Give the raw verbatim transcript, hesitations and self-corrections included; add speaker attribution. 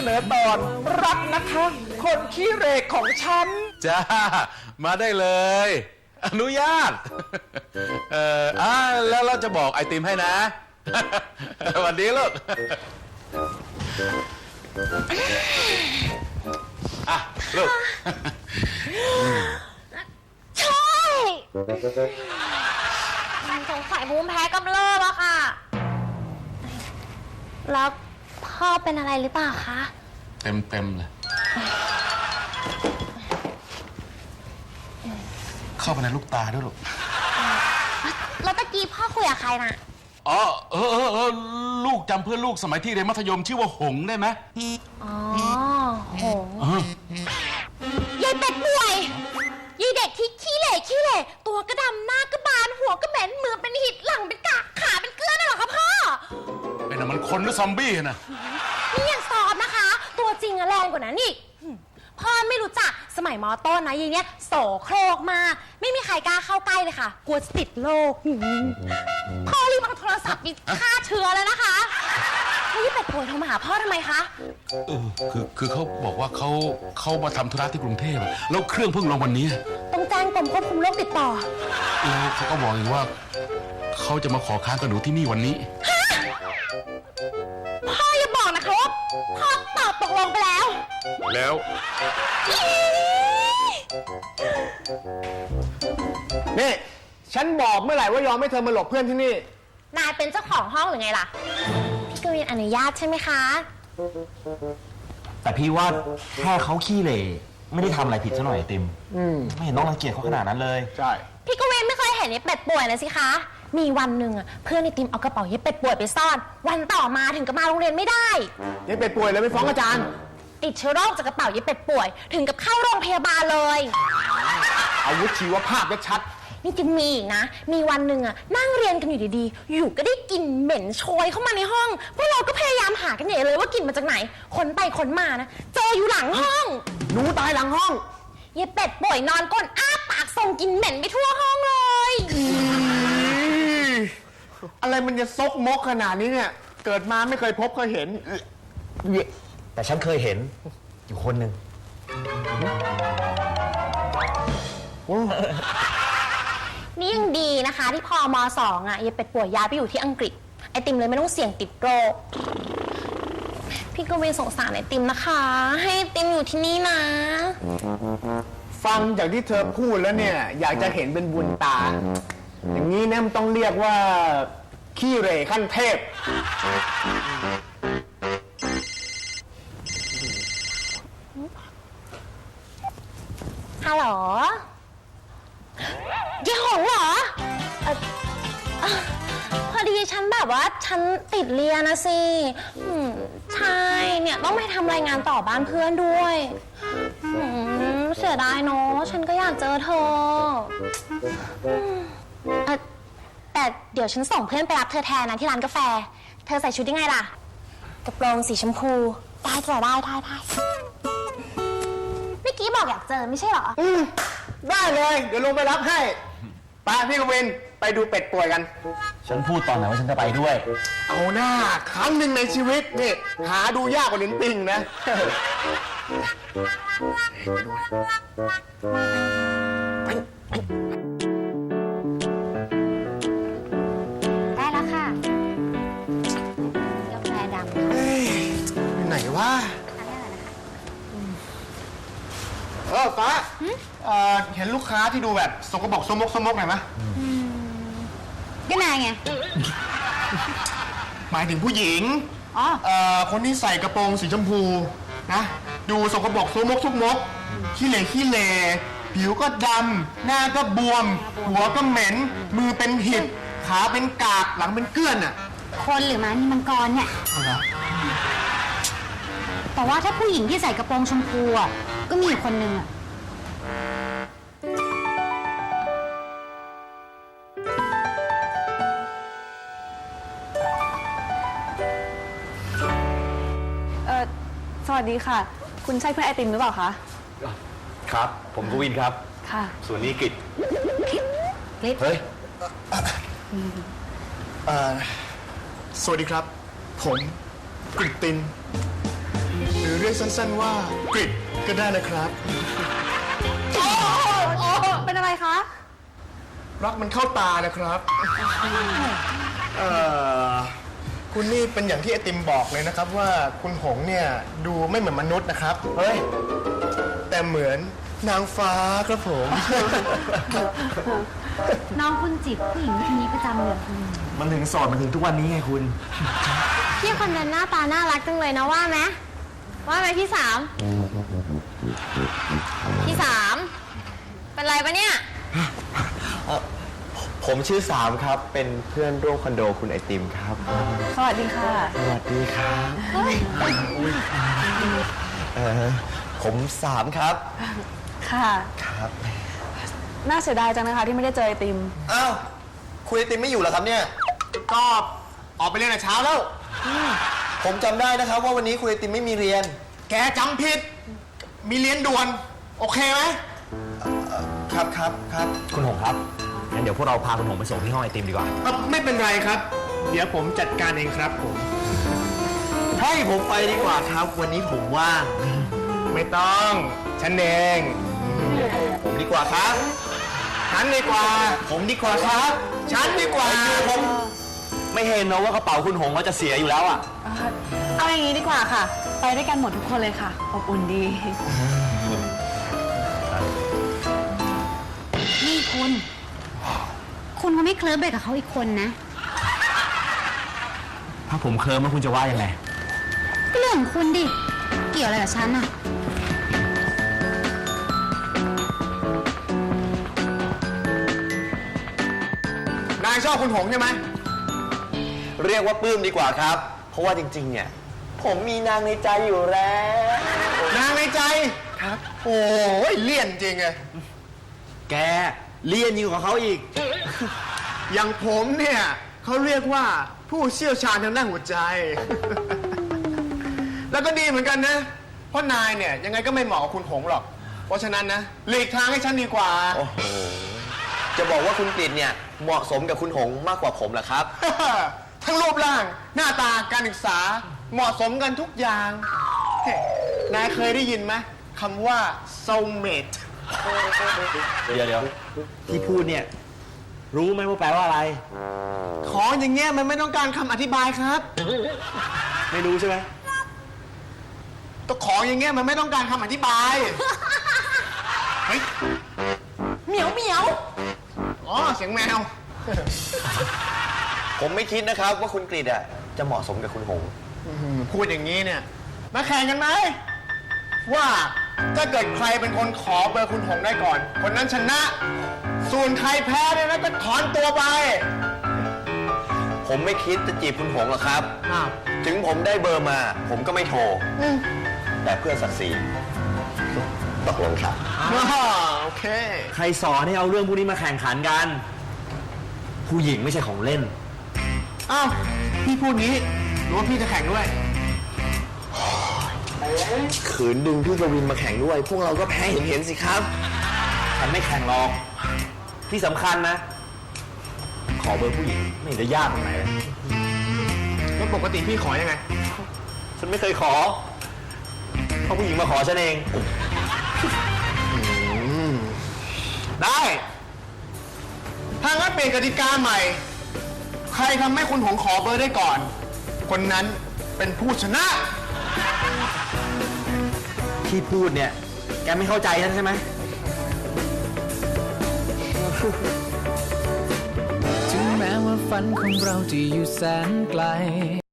Speaker 1: นอตอนรักนะคะ คนขี้เหร่ของฉัน
Speaker 2: จ้ามาได้เลยอนุญาตเอ่ออ่าแล้วเราจะบอกไอติมให้นะสวัสดีลูกอ่ะลูก
Speaker 3: ใช่สงสัยภูมิแพ้กำเริบอะค่ะแล้วพ่อเป็นอะไรหรือเปล่าคะ
Speaker 2: เต็มเต็มเลยเข้าไปในลูกตาด้วยลูก
Speaker 3: แล้วตะกี้พ่อคุยกับใครน่ะ
Speaker 2: อ๋อเออเออเออลูกจำเพื่อนลูกสมัยที่เรียนมัธยมชื่อว่าหงได้ไหม
Speaker 3: อ๋อหงยายเป็ดป่วยยายเด็กที่ขี้เหร่ขี้เหร่ตัวกระดำหน้ากระบาลหัวกระเหม็นมือเป็นหิดหลังเป็นกากขาเป็นเกลือน่ะเหรอคะพ่อ
Speaker 2: เป็นอะไรมันคนหรือซอมบี้นะ
Speaker 3: นี่ยังสอบนะคะตัวจริงอะแรงกว่านั้นอีกพ่อไม่รู้จักสมัยมอต้นนะยายเนี้ยโสโครกมากไม่มีใครกล้าเข้าใกล้เลยค่ะกลัวจะติดโรคพ่อรีบเอาโทรศัพท์ไปฆ่าเชื้อแล้วนะคะนี่เป็ดป่วยโทรมาหาพ่อทำไมคะ
Speaker 2: เออคือคือเขาบอกว่าเขาเขามาทำธุระที่กรุงเทพแล้วเครื่องเพิ่งลงวันนี้
Speaker 3: ต้องแจ้งกรมควบคุมโรคติดต่อ
Speaker 2: แล้วเขาก็บอกอีกว่าเขาจะมาขอค้างกับหนูที่นี่วันนี้
Speaker 3: พ่ออย่าบอกนะคะว่าพ่อตอบตกลงไปแล้ว
Speaker 2: แล้ว
Speaker 1: นี่ฉันบอกเมื่อไหร่ว่ายอมให้เธอมาหลบเพื่อนที่นี่
Speaker 3: นายเป็นเจ้าของห้องหรือไงล่ะพี่กวินอนุญาตใช่ไหมคะ
Speaker 4: แต่พี่ว่าแค่เขาขี้เหร่ไม่ได้ทำอะไรผิดซะหน่อยติมไม่เห็นต้องรังเกียจเขาขนาดนั้นเลย
Speaker 1: ใช่
Speaker 3: พี่กวินไม่เคยเห็นไอ้เป็ดป่วยเลยสิคะมีวันหนึ่งอ่ะเพื่อนไอ้ติมเอากระเป๋าไอ้เป็ดป่วยไปซ่อนวันต่อมาถึงกับมาโรงเรียนไม่ได้
Speaker 1: ไอ้เป็ดป่วยเลยไปฟ้องอาจารย์
Speaker 3: ติดเชื้อโรคจากกระเป๋าไอ้เป็ดป่วยถึงกับเข้าโรงพยาบาลเลย
Speaker 1: อาวุธชีวภาพชัด
Speaker 3: นี่จะมีอีกนะมีวันหนึ่งอ่ะนั่งเรียนกันอยู่ดีๆอยู่ก็ได้กลิ่นเหม็นโชยเข้ามาในห้องพวกเราก็พยายามหากันใหญ่เลยว่ากลิ่นมาจากไหนค้นไปค้นมานะเจออยู่หลังห้อง
Speaker 1: หนูตายหลังห้อง
Speaker 3: ยายเป็ดป่วยนอนก้นอ้าปากส่งกลิ่นเหม็นไปทั่วห้องเลย
Speaker 1: อะไรมันจะซกมกขนาดนี้เนี่ยเกิดมาไม่เคยพบเคยเห็น
Speaker 4: แต่ฉันเคยเห็นอยู่คนหนึ่ง
Speaker 3: นี่ยังดีนะคะที่พอมสองอ่ะยายเป็ดป่วยย้ายไปอยู่ที่อังกฤษไอติมเลยไม่ต้องเสี่ยงติดโรคพี่กวินสงสารไอติมนะคะให้ไอติมอยู่ที่นี่นะ
Speaker 1: ฟังจากที่เธอพูดแล้วเนี่ยอยากจะเห็นเป็นบุญตาอย่างนี้เนี่ยมันต้องเรียกว่าขี้เหร่ขั้นเทพ
Speaker 3: ฮัลโหลเจ๊หงเหรอเอ่อพอดีฉันแบบว่าฉันติดเรียนนะสิใช่เนี่ยต้องไปทำรายงานต่อบ้านเพื่อนด้วยเสียดายเนาะฉันก็อยากเจอเธอแต่เดี๋ยวฉันส่งเพื่อนไปรับเธอแทนนะที่ร้านกาแฟเธอใส่ชุดยังไงล่ะกระโปรงสีชมพูได้จ้ะได้ได้ได้เมื่อกี้บอกอยากเจอไม่ใช่เหรอ
Speaker 1: อืมได้เลยเดี๋ยวลงไปรับให้ไปพี่กวินไปดูเป็ดป่วยกัน
Speaker 4: ฉันพูดตอนไหนว่าฉันจะไปด้วย
Speaker 1: เอาหน้าครั้งหนึ่งในชีวิตนี่หาดูยากกว่าลิ้นปิงนะ
Speaker 3: ได้แล้วค่ะกาแฟดำ
Speaker 1: อยู่ไหนวะเออฟ้าเห็นลูกค้าที่ดูแบบสกปรกสมกสมกหน่อยไหม
Speaker 3: ก็นายไง
Speaker 1: หมายถึงผู้หญิง
Speaker 3: อ๋อ
Speaker 1: คนที่ใส่กระโปรงสีชมพูนะดูสกปรกสมกสมกขี้เหร่ขี้เหร่ผิวก็ดำหน้าก็บวมหัวก็เหม็นมือเป็นหิดขาเป็นกากหลังเป็นเกลื่อนอ่ะ
Speaker 3: คนหรือม้านี่มังกรเนี่ยแต่ว่าถ้าผู้หญิงที่ใส่กระโปรงชมพูอ่ะก็มีคนหนึ่งอ่ะ
Speaker 5: เออสวัสดีค่ะคุณใช่เพื่อนไอติมหรือเปล่าคะ
Speaker 4: ครับผมกวินครับ
Speaker 5: ค่ะ
Speaker 4: ส่วนนี้กิจ
Speaker 3: กิจ
Speaker 4: เฮ้ย
Speaker 1: สวัสดีครับผมกฤตินหรือยกสั้นๆว่ากริดก็ได้นะครับ
Speaker 5: เป็นอะไรคะ
Speaker 1: รักมันเข้าตานะครับ เอ่อ คุณนี่เป็นอย่างที่ไอติมบอกเลยนะครับว่าคุณหงเนี่ยดูไม่เหมือนมนุษย์นะครับ เฮ้ย แต่เหมือนนางฟ้าครับผม
Speaker 3: น้องคุณจีบผู้หญิงคนนี้ประจำเลย
Speaker 4: มันถึงโสดมันถึงทุกวันนี้ไงคุณ
Speaker 3: พี่คนนั้นหน้าตาน่ารักจังเลยนะว่าไหมว่าไหมพี่สาม พี่สาม เป็นไรปะเนี่ย
Speaker 6: ผมชื่อสามครับ เป็นเพื่อนร่วมคอนโดคุณไอติมครับ
Speaker 5: สวัสดีค่ะ
Speaker 6: สวัสดีครับเออผมสามครับ
Speaker 5: ค่ะ
Speaker 6: ครับ
Speaker 5: น่าเสียดายจังนะคะที่ไม่ได้เจอไอติม
Speaker 6: อ้าว คุณไอติมไม่อยู่เหรอครับเนี่ย
Speaker 1: ก็ออกไปเรียนแต่เช้าแล้ว
Speaker 6: ผมจำได้นะครับว่าวันนี้คุณไอติมไม่มีเรียน
Speaker 1: แกจำผิด มีเรียนด่วน โอเคไหม
Speaker 6: ครับครับครับ
Speaker 4: คุณหงครับ งั้นเดี๋ยวพวกเราพาคุณหงไปส่งที่ห้องไอติมดีกว่า
Speaker 1: เอ่อไม่เป็นไรครับ เดี๋ยวผมจัดการเองครับผม
Speaker 6: ให้ผมไปดีกว่าครับ วันนี้ผมว่าง
Speaker 1: ไม่ต้อง ฉันเอง
Speaker 6: ผมดีกว่าครับ
Speaker 1: ฉันดีกว่า
Speaker 6: ผมดีกว่าครับ
Speaker 1: ฉันดีกว่า
Speaker 6: ผม
Speaker 4: ไม่เห็นเนอะว่ากระเป๋าคุณหงก็จะเสียอยู่แล้วอ่ะ
Speaker 5: เอาอย่างนี้ดีกว่าค่ะ ไปด้วยกันหมดทุกคนเลยค่ะ อบอุ่นดี
Speaker 3: นี่คุณ คุณเขาไม่เคลิ้มไปกับเขาอีกคนนะ
Speaker 4: ถ้าผมเคลิ้มแล้วคุณจะว่ายังไง
Speaker 3: ก็เรื่องของคุณดิ เกี่ยวอะไรกับฉันอะ
Speaker 1: นายชอบคุณหงใช่ไหม
Speaker 6: เรียกว่าปลื้มดีกว่าครับ เพราะว่าจริงๆ เนี่ย ผมมีนางในใจอยู่แล้ว
Speaker 1: นางในใจ ครับ โอ้ยเลี่ยนจริงไง
Speaker 4: แกเรียนยิ่งกว่าเขาอีก
Speaker 1: อย่างผมเนี่ยเขาเรียกว่าผู้เชี่ยวชาญทางด้านหัวใจ แล้วก็ดีเหมือนกันนะ เพราะนายเนี่ยยังไงก็ไม่เหมาะกับคุณหงหรอก เพราะฉะนั้นนะหลีกทางให้ฉันดีกว่า
Speaker 6: โอ้โห จะบอกว่าคุณกฤษเนี่ยเหมาะสมกับคุณหงมากกว่าผมเหรอครับ
Speaker 1: ทั้งรูปร่าง หน้าตาการศึกษาเหมาะสมกันทุกอย่างเฮ้นายเคยได้ยินไหมคำว่า soulmate
Speaker 4: เดี๋ยวเดี๋ยวที่พูดเนี่ย รู้ไหมว่าแปลว่าอะไร
Speaker 1: ของอย่างเงี้ยมันไม่ต้องการคำอธิบายครับ
Speaker 4: ไม่รู้ใช่ไหม
Speaker 1: ก็ของอย่างเงี้ยมันไม่ต้องการคำอธิบาย เฮ้ย เหมียวเหมียว อ๋อ เสียงแมว
Speaker 6: ผมไม่คิดนะครับว่าคุณกฤษอ่ะจะเหมาะสมกับคุณหง
Speaker 1: อื้อหือพูดอย่างนี้เนี่ย มาแข่งกันไหม ว่าถ้าเกิดใครเป็นคนขอเบอร์คุณหงได้ก่อน คนนั้นชนะ ส่วนใครแพ้เนี่ยนะก็ถอนตัวไป
Speaker 6: ผมไม่คิดจะจีบคุณหงหรอกครับ
Speaker 1: อ้าว
Speaker 6: ถึงผมได้เบอร์มา ผมก็ไม่โทร แต่เพื่อศักดิ์ศรีตกลงครับ
Speaker 1: อ้าวโอเค
Speaker 4: ใครสอนให้เอาเรื่องพวกนี้มาแข่งขันกัน ผู้หญิงไม่ใช่ของเล่น
Speaker 1: อ้าว พี่พูดงี้หรือว่าพี่จะแข่งด้วย
Speaker 6: ขืนดึงพี่กวินมาแข่งด้วย พวกเราก็แพ้เห็นเห็นๆสิครับ
Speaker 4: ฉันไม่แข่งหรอก ที่สำคัญนะ ขอเบอร์ผู้หญิงไม่เห็นจะยากตรงไหนเลย
Speaker 1: แล้วปกติพี่ขอยังไง
Speaker 4: ฉันไม่เคยขอเพราะผู้หญิงมาขอฉันเอง
Speaker 1: ได้ ถ้างั้นเปลี่ยนกติกาใหม่ ใครทำให้คุณหงขอเบอร์ได้ก่อน คนนั้นเป็นผู้ชนะ
Speaker 4: ที่พูดเนี่ย แกไม่เข้าใจฉันใช่ไหม
Speaker 7: ถึงแม้ว่าฝันของเราจะอยู่แสนไกล